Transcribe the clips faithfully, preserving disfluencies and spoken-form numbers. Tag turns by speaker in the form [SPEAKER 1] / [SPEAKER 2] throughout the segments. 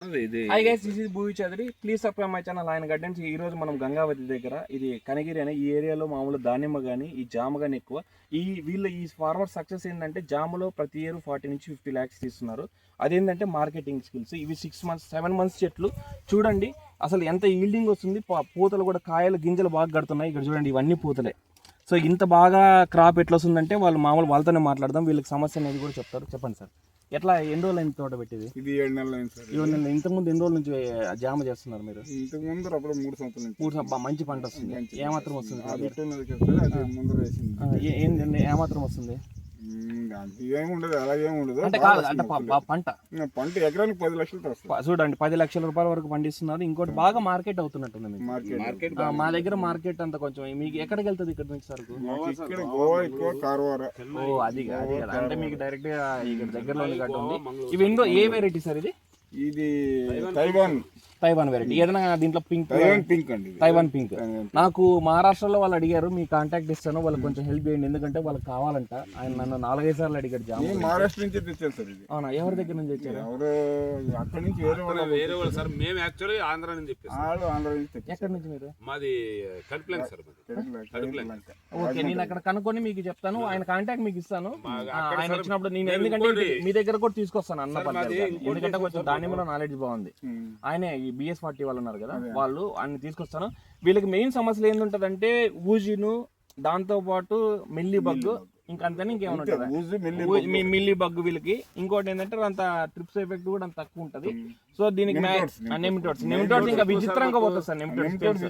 [SPEAKER 1] Hi guys, this is Bhuvi Chaudhary. Please subscribe my channel ఆయన gardens. ఈ రోజు మనం గంగావతి దగ్గర, ఇది కనగిరి అనే ఈ ఏరియాలో మామూలు దానిమ్మ కానీ ఈ జామ కానీ ఎక్కువ. ఈ వీళ్ళ ఈ ఫార్మర్ సక్సెస్ ఏంటంటే జామలో ప్రతి ఇయర్ ఫార్టీ నుంచి ఫిఫ్టీ ల్యాక్స్ తీస్తున్నారు. అదేంటంటే మార్కెటింగ్ స్కిల్స్. ఇవి సిక్స్ మంత్స్ సెవెన్ మంత్స్ చెట్లు చూడండి అసలు ఎంత ఈల్డింగ్ వస్తుంది. పూతలు కూడా కాయలు గింజలు బాగా కడుతున్నాయి. ఇక్కడ చూడండి ఇవన్నీ పూతలే. సో ఇంత బాగా క్రాప్ ఎట్లా వస్తుందంటే వాళ్ళు మామూలు వాళ్ళతోనే మాట్లాడదాం. వీళ్ళకి సమస్య అనేది కూడా చెప్తారు. చెప్పండి సార్, ఎట్లా ఎన్ని రోజులు అయింది తోట పెట్టేది?
[SPEAKER 2] ఇది ఏడు నెలలు అయింది సార్.
[SPEAKER 1] ఏడు నెలలు. ఇంతకుముందు ఎన్ని రోజుల నుంచి జామ చేస్తున్నారు మీరు?
[SPEAKER 2] ఇంతకు ముందు అప్పుడు మూడు సంవత్సరాల నుంచి.
[SPEAKER 1] మూడు సంవత్సరాలు మంచి పంట వస్తుంది. ఏమాత్రం వస్తుంది? ఏమాత్రం వస్తుంది?
[SPEAKER 2] ఏముండదు, అలాగేమి ఉండదు.
[SPEAKER 1] అంటే కాదు, అంటే పంట
[SPEAKER 2] పంట ఎకరానికి పది లక్షలు వస్తుంది.
[SPEAKER 1] చూడండి, పది లక్షల రూపాయల వరకు పండిస్తున్నారు. ఇంకోటి బాగా మార్కెట్ అవుతున్నట్టుంది మీకు.
[SPEAKER 2] మార్కెట్
[SPEAKER 1] మా దగ్గర మార్కెట్ అంతా కొంచెం మీకు ఎక్కడికి వెళ్తుంది ఇక్కడ నుంచి సరుకు?
[SPEAKER 2] ఇక్కడ గోవా ఎక్కువ, కారవార.
[SPEAKER 1] ఓ అది అది కదా, అంటే మీకు డైరెక్ట్ గా ఇక్కడ దగ్గరలో ఉంది. ఇవి ఎన్నో ఏ వెరైటీ సార్ ఇది?
[SPEAKER 2] ఇది తైవాన్
[SPEAKER 1] తైవాన్ వెరైటీ. ఏదైనా దీంట్లో పింక్
[SPEAKER 2] తైవాన్ పింక్ అండి.
[SPEAKER 1] Taiwan pink. నాకు మహారాష్ట్రలో వాళ్ళు అడిగారు, మీ కాంటాక్ట్ ఇస్తాను, వాళ్ళకి కొంచెం హెల్ప్ చేయండి, ఎందుకంటే వాళ్ళకి కావాలంట. ఆయన నన్ను నాలుగైదు సార్లు అడిగాడు జామ.
[SPEAKER 2] మహారాష్ట్ర నుంచి తెచ్చారు సార్ ఇది.
[SPEAKER 1] అవునా? ఎవరి దగ్గర నుంచి తెచ్చారు?
[SPEAKER 2] ఎవరు అక్కడ నుంచి వేరే వాళ్ళు
[SPEAKER 3] వేరే వాళ్ళు సార్. మేము యాక్చువల్లీ ఆంధ్ర నుంచి చెప్పేసి.
[SPEAKER 2] ఆంధ్ర నుంచి తెచ్చారు.
[SPEAKER 1] ఎక్కడి నుంచి మీరు?
[SPEAKER 3] మాది కడుపులేం సార్.
[SPEAKER 1] ఓకే, నేను అక్కడ కనుక్కొని మీకు చెప్తాను. ఆయన కాంటాక్ట్ మీకు ఇస్తాను. ఆయన వచ్చినప్పుడు నేను, ఎందుకంటే మీ దగ్గర కూడా తీసుకొస్తాను అన్న పద్ధతి, ఎందుకంటే కొంచెం దానిమ్మలో నాలెడ్జ్ బాగుంది. ఆయనే ఈ బిఎస్ ఫార్టీ వాళ్ళు ఉన్నారు కదా, వాళ్ళు అన్ని తీసుకొస్తాను. వీళ్ళకి మెయిన్ సమస్యలు ఏంటంటే ఊజిను, దాంతో పాటు మిల్లీ బగ్, ఇంకంతనే ఇంకేమైనా ఉంటుంది మిల్లీ బగ్ వీళ్ళకి. ఇంకోటి ఏంటంటే అంత ట్రిప్స్ ఎఫెక్ట్ కూడా అంత తక్కువ ఉంటుంది. సో దీనికి నెమిటోడ్స్ నెమిటోడ్స్ ఇంకా విచిత్రంగా పోతుంది సార్. నెమిటోడ్స్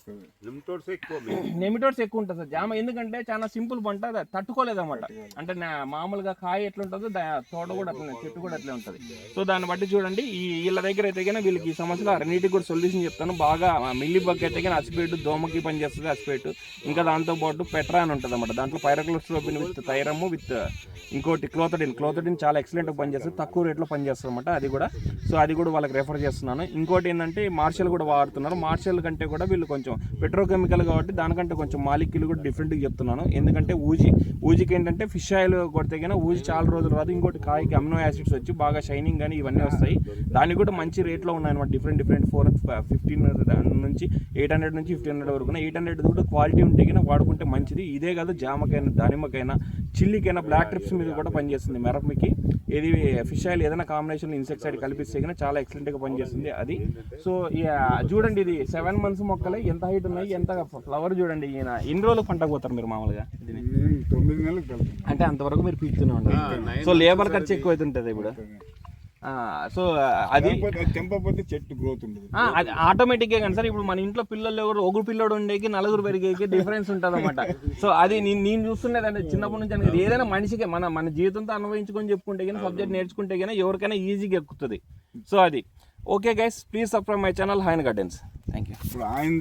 [SPEAKER 1] నెమిటోడ్స్ ఎక్కువ ఉంటుంది సార్ జామ, ఎందుకంటే చాలా సింపుల్ పంట, తట్టుకోలేదు అనమాట. అంటే మామూలుగా కాయ ఎట్లుంటుందో తోట కూడా అట్లనే, చెట్టు కూడా అట్లే ఉంటుంది. సో దాన్ని బట్టి చూడండి, ఈ వీళ్ళ దగ్గర అయితే కానీ వీళ్ళకి ఈ సమస్యలు అన్నిటికి కూడా సొల్యూషన్ చెప్తాను. బాగా మిల్లీ బగ్ అయితే కానీ అసిపేటు, దోమకి పనిచేస్తుంది అసిపేటు. ఇంకా దాంతోపాటు పెట్రా అని ఉంటుంది అనమాట. దాంట్లో పైరక్లోస్ట్రోబిన్ విత్ థైరము విత్ ఇంకోటి క్లోథడిన్. క్లోథడిన్ చాలా ఎక్సలెంట్గా పనిచేస్తుంది, తక్కువ రేట్లో పనిచేస్తుంది అనమాట అది కూడా. సో అది కూడా వాళ్ళకి రెఫర్ చేస్తున్నాను. ఇంకోటి ఏంటంటే మార్షల్ కూడా వాడుతున్నారు. మార్షల్ కంటే కూడా వీళ్ళు కొంచెం పెట్రోకెమికల్ కాబట్టి దానికంటే కొంచెం మాలిక్యూల్ కూడా డిఫరెంట్గా చెప్తున్నాను. ఎందుకంటే ఊజీ ఊజికి ఏంటంటే ఫిష్ ఆయిల్ కొడితే కానీ ఊజి చాలా రోజులు రాదు. ఇంకోటి కాయకి అమినో యాసిడ్స్ వచ్చి బాగా షైనింగ్ కానీ ఇవన్నీ వస్తాయి. దానికి కూడా మంచి రేట్లో ఉన్నాయన్నమాట. డిఫరెంట్ డిఫరెంట్ ఫోర్ ఫిఫ్టీన్ నుంచి ఎయిట్ హండ్రెడ్ నుంచి ఫిఫ్టీన్ హండ్రెడ్ వరకు. ఎయిట్ హండ్రెడ్ కూడా క్వాలిటీ ఉంటే కానీ వాడుకుంటే మంచిది. ఇదే కాదు, జామకైనా, దానిమ్మకైనా, చిల్లికైనా, బ్లాక్ ట్రిప్స్ మీద కూడా పనిచేస్తుంది. మిరపకి ఇది ఫిష్ ఆయిల్ ఏదైనా కాంబినేషన్ ఇన్సెక్సైడ్ కలిపిస్తే కానీ చాలా ఎక్సలెంట్గా పనిచేస్తుంది అది. సో చూడండి, ఇది సెవెన్ మంత్స్ మొక్కలే, ఎంత హైట్ ఉన్నాయి, ఎంత ఫ్లవర్ చూడండి. ఈయన ఎన్ని రోజులు పంట పోతారు మీరు మామూలుగా?
[SPEAKER 2] తొమ్మిది నెలలు
[SPEAKER 1] అంటే అంతవరకు మీరు పీకుతూనే ఉంటారు. సో లేబర్ ఖర్చు ఎక్కువ అవుతుంటుంది ఇప్పుడు. సో అది
[SPEAKER 2] తెంపకపోతే చెట్టు గ్రోత్ ఉంటుంది.
[SPEAKER 1] అది ఆటోమేటిక్గా కానీ సార్. ఇప్పుడు మన ఇంట్లో పిల్లలు ఎవరు, ఒకరు పిల్లడు ఉండేకి నలుగురు పెరిగేకి డిఫరెన్స్ ఉంటుంది అనమాట. సో అది నేను నేను చూస్తున్నది అంటే చిన్నప్పటి నుంచి అనేది ఏదైనా మనిషికి మన మన జీవితంతో అనుభవించుకొని చెప్పుకుంటే కానీ, సబ్జెక్ట్ నేర్చుకుంటే కానీ ఎవరికైనా ఈజీగా ఎక్కుతుంది. సో అది okay guys, please subscribe my channel ఆయన గార్డెన్స్. Thank you.